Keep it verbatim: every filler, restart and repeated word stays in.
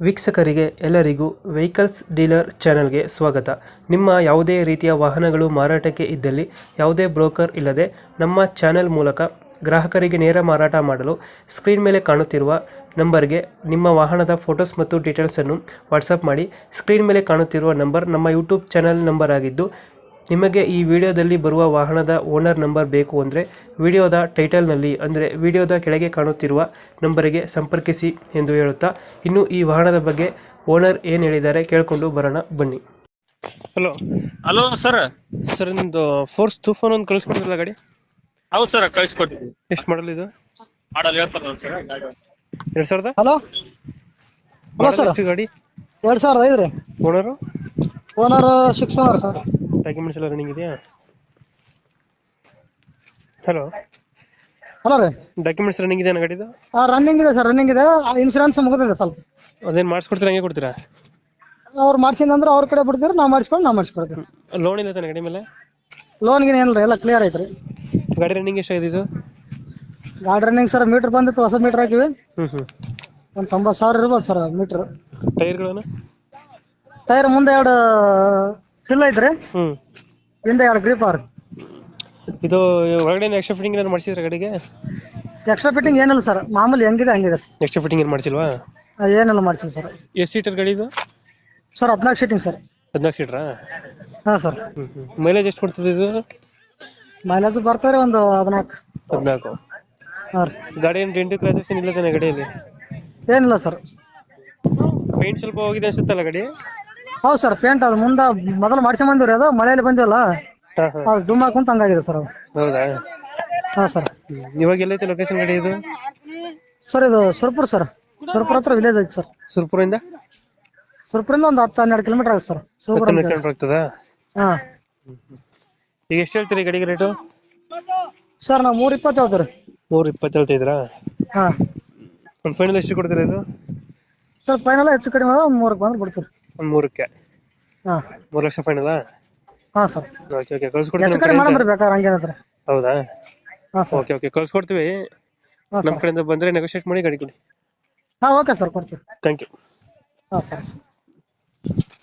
ವೀಕ್ಷಕರಿಗೆ ಎಲ್ಲರಿಗೂ vehicles dealer ಚಾನೆಲ್ಗೆ ಸ್ವಾಗತ. ನಿಮ್ಮ ಯಾವುದೇ ರೀತಿಯ ವಾಹನಗಳು ಮಾರಾಟಕ್ಕೆ ಇದ್ದಲ್ಲಿ ಯಾವುದೇ ಬ್ರೋಕರ್ ಇಲ್ಲದೆ ನಮ್ಮ ಚಾನೆಲ್ ಮೂಲಕ ಗ್ರಾಹಕರಿಗೆ ನೇರ ಮಾರಾಟ ಮಾಡಲು ಸ್ಕ್ರೀನ್ ಮೇಲೆ ಕಾಣುತ್ತಿರುವ ನಂಬರ್ಗೆ ನಿಮ್ಮ ವಾಹನದ ಫೋಟೋಸ್ ಮತ್ತು ಡೀಟೇಲ್ಸನ್ನು ವಾಟ್ಸಪ್ ಮಾಡಿ. ಸ್ಕ್ರೀನ್ ಮೇಲೆ ಕಾಣುತ್ತಿರುವ ನಂಬರ್ ನಮ್ಮ ಯೂಟ್ಯೂಬ್ ಚಾನೆಲ್ ನಂಬರ್ ಆಗಿದ್ದು, ನಿಮಗೆ ಈ ವಿಡಿಯೋದಲ್ಲಿ ಬರುವ ವಾಹನದ ಓನರ್ ನಂಬರ್ ಬೇಕು ಅಂದರೆ ವಿಡಿಯೋದ ಟೈಟಲ್ನಲ್ಲಿ ಅಂದರೆ ವಿಡಿಯೋದ ಕೆಳಗೆ ಕಾಣುತ್ತಿರುವ ನಂಬರಿಗೆ ಸಂಪರ್ಕಿಸಿ ಎಂದು ಹೇಳುತ್ತಾ, ಇನ್ನು ಈ ವಾಹನದ ಬಗ್ಗೆ ಓನರ್ ಏನು ಹೇಳಿದ್ದಾರೆ ಕೇಳಿಕೊಂಡು ಬರೋಣ ಬನ್ನಿ. Hello hello sir. ಸರ್, ನಿಮ್ಮದು ಫೋರ್ಸ್ ತೂಫಾನ್ ಒಂದು ಕಳಿಸ್ಕೊಡ್ತಿಲ್ಲ ಗಾಡಿ? ಹೌದು ಸರ್, ಕಳಿಸ್ಕೊಟ್ಟಿದ್ವಿ. ಎಷ್ಟು ಮಾಡಲ್ ಇದು? ಮಾಡಲ್ ಹೇಳ್ತಾರಲ್ಲ ಸರ್, ಎರಡು ಸಾವಿರದ ಹಲೋ ಹಲೋ ಸರ್, ಎಷ್ಟು ಗಾಡಿ? ಎರಡ್ ಸಾವಿರದ ಐದು ರೀ. Owner owner six owner sir. Documents ಎಲ್ಲ ರನ್ನಿಂಗ್ ಇದೆಯಾ? ಹಲೋ ಹಲೋ ರೀ, ಡಾಕ್ಯುಮೆಂಟ್ಸ್ ರನ್ನಿಂಗ್ ಇದೆಯಾ ಗಾಡಿದು? ರನ್ನಿಂಗ್ ಇದೆ ಸರ್, ರನ್ನಿಂಗ್ ಇದೆ. ಇನ್ಸೂರೆನ್ಸ್ ಮುಗಿದಿದೆ ಸ್ವಲ್ಪ. ಅದೇನು ಮಾಡಿಸ್ಕೊಡ್ತೀರಾ, ಹಂಗೆ ಕೊಡ್ತೀರಾ? ಅವ್ರು ಮಾಡ್ಸಿಂದ್ರೆ ಅವ್ರ ಕಡೆ ಬಿಡ್ತೀರಿ, ನಾವು ಮಾಡಿಸ್ಕೊಂಡು ನಾವು ಮಾಡಿಸ್ಕೊಡ್ತೀವಿ. ಲೋನ್ ಇಲ್ಲ ತಾನೆ ಗಾಡಿ ಮೇಲೆ? ಲೋನ್ಗೆ ಏನಿಲ್ಲ, ಎಲ್ಲ ಕ್ಲಿಯರ್ ಐತ್ರಿ. ಗಾಡಿ ರನ್ನಿಂಗ್ ಎಷ್ಟಾಗಿದೆ ಇದು? ಗಾಡಿ ರನ್ನಿಂಗ್ ಸರ್, ಮೀಟರ್ ಬಂದಿತ್ತು, ಹೊಸ ಮೀಟರ್ ಹಾಕಿವಿ. ಹ್ಞೂ ಹ್ಞೂ ಒಂದು ತೊಂಬತ್ತು ಸಾವಿರ ಇರ್ಬೋದು ಸರ್ ಮೀಟರ್. ಟೈರ್ಗಳನ್ನು? ಟೈರ್ ಮುಂದೆ ಎರಡು ಫಿಲ್ ಐತ್ರಿ, ಹ್ಞೂ. ಹಿಂದೆ ಎರಡು ಗ್ರಿಪ್ ಅವ್ರಿ. ಇದು ಒಳಗಡೆ ಎಕ್ಸ್ಟ್ರಾ ಫಿಟ್ಟಿಂಗ್ ಏನಾದ್ರು ಮಾಡಿಸಿದ್ರೆ ಗಾಡಿಗೆ? ಎಕ್ಸ್ಟ್ರಾ ಫಿಟ್ಟಿಂಗ್ ಏನಿಲ್ಲ ಸರ್, ಮಾಮೂಲಿ ಹೆಂಗಿದೆ ಹಂಗಿದೆ ಸರ್. ಎಕ್ಸ್ಟ್ರಾ ಫಿಟ್ಟಿಂಗ್ ಏನು ಮಾಡಿಸಿಲ್ವಾ? ಆ, ಏನಿಲ್ಲ ಮಾಡ್ಸಿಲ್ಲ ಸರ್. ಎಷ್ಟು ಸೀಟರ್ ಗಾಡಿ ಇದು? ಸರ್ ಹದಿನಾಲ್ಕು ಸೀಟಿಂಗ್ ಸರ್. ಹದಿನಾಲ್ಕು ಸೀಟ್ರಾ? ಹಾಂ ಸರ್. ಹ್ಞೂ ಹ್ಞೂ ಮೈಲೇಜ್ ಎಷ್ಟು ಕೊಡ್ತದೆ ಇದು? ಮೈಲೇಜ್ ಬರ್ತಾರೆ ಒಂದು ಹದಿನಾಲ್ಕು. ಹದಿನಾಲ್ಕು. ಹಾಂ ರೀ. ಗಾಡಿ ಏನು ಡೆಂಟು ಕ್ರಾಚಸ್ ಏನಿಲ್ಲ ತಾನೆ ಗಾಡಿಯಲ್ಲಿ? ಏನಿಲ್ಲ ಸರ್. ಪೇಂಟ್ ಸ್ವಲ್ಪ ಹೋಗಿದೆ ಅನ್ಸುತ್ತಲ್ಲ ಗಾಡಿ? ಹೌದು ಸರ್, ಪೇಂಟ್ ಅದು ಮುಂದೆ ಮೊದಲು ಮಾಡ್ಸಿ ಬಂದಿವ್ರಿ, ಅದು ಮಳೆಯಲ್ಲಿ ಬಂದಿವಲ್ಲ, ಹಾಂ ಹಾಂ. ಅದು ದುಮ್ ಹಾಕೊಂತ ಹಂಗಾಗಿದೆ ಸರ್ ಅದು. ಹೌದಾ? ಹಾಂ ಸರ್. ಹ್ಞೂ. ಇವಾಗ ಎಲ್ಲೈತೆ ಲೊಕೇಶನ್ ಗಾಡಿ ಇದು? ಸರ್ ಇದು ಸುರ್ಪುರ್ ಸರ್, ಸುರ್ಪುರ್ ಹತ್ರ ವಿಲೇಜ್ ಐತಿ ಸರ್. ಸುರ್ಪುರಿಂದ? ಸುರ್ಪುರಿಂದ ಒಂದು ಹತ್ತು ಹನ್ನೆರಡು ಕಿಲೋಮೀಟರ್ ಆಗುತ್ತೆ ಸರ್. ಸುರ್ಪುರ್ ಅಂತ ಹೇಳಿ. ಕಿಲೋಮೀಟರ್ ಆಗ್ತದಾ? ಹಾಂ ಈಗ ಎಷ್ಟು ಹೇಳ್ತೀರಿ ಗಾಡಿಗೆ ರೇಟು? ಸರ್ ನಾವು ಮೂರು ಇಪ್ಪತ್ತು ಹೇಳ್ತೀವಿ. ಮೂರು ಇಪ್ಪತ್ತು ಹೇಳ್ತಿದ್ರಾ? ಹಾಂ ಒಂದು ಫೈನಲ್ ಎಷ್ಟು ಕೊಡ್ತೀರಾ ಇದು? ಸರ್ ಫೈನಲ್ ಹೆಚ್ಚು ಕಡಿಮೆ ಒಂದು ಮೂರಕ್ಕೆ ಬಂದ್ರೆ ಬಿಡ್ತೀವಿ. ಒಂದು ಮೂರಕ್ಕೆ? ಹಾಂ ಮೂರು ಲಕ್ಷ ಫೈನಲಾ? ಹಾಂ ಸರ್. ಓಕೆ ಓಕೆ, ಹೆಚ್ಚು ಕಳ್ಸ್ಕೊಡ್ತೀನಿ. ಕಡಿಮೆ ಮಾಡಂಬ್ರಿ ಬೇಕಾದ್ರೆ ಹಂಗೇನಂದ್ರೆ. ಹೌದಾ? ಹಾಂ ಸರ್. ಓಕೆ ಓಕೆ, ಕಳ್ಸ್ಕೊಡ್ತೀವಿ. ಹಾಂ ನಮ್ಮ ಸರ್. ಕಡೆಯಿಂದ ಬಂದರೆ ನೆಗೋಷಿಯೇಟ್ ಮಾಡಿ ಗಾಡಿ ಕೊಡಿ. ಹಾಂ ಓಕೆ ಸರ್, ಕೊಡ್ತೀವಿ. Thank you. ಹಾಂ ಸರ್.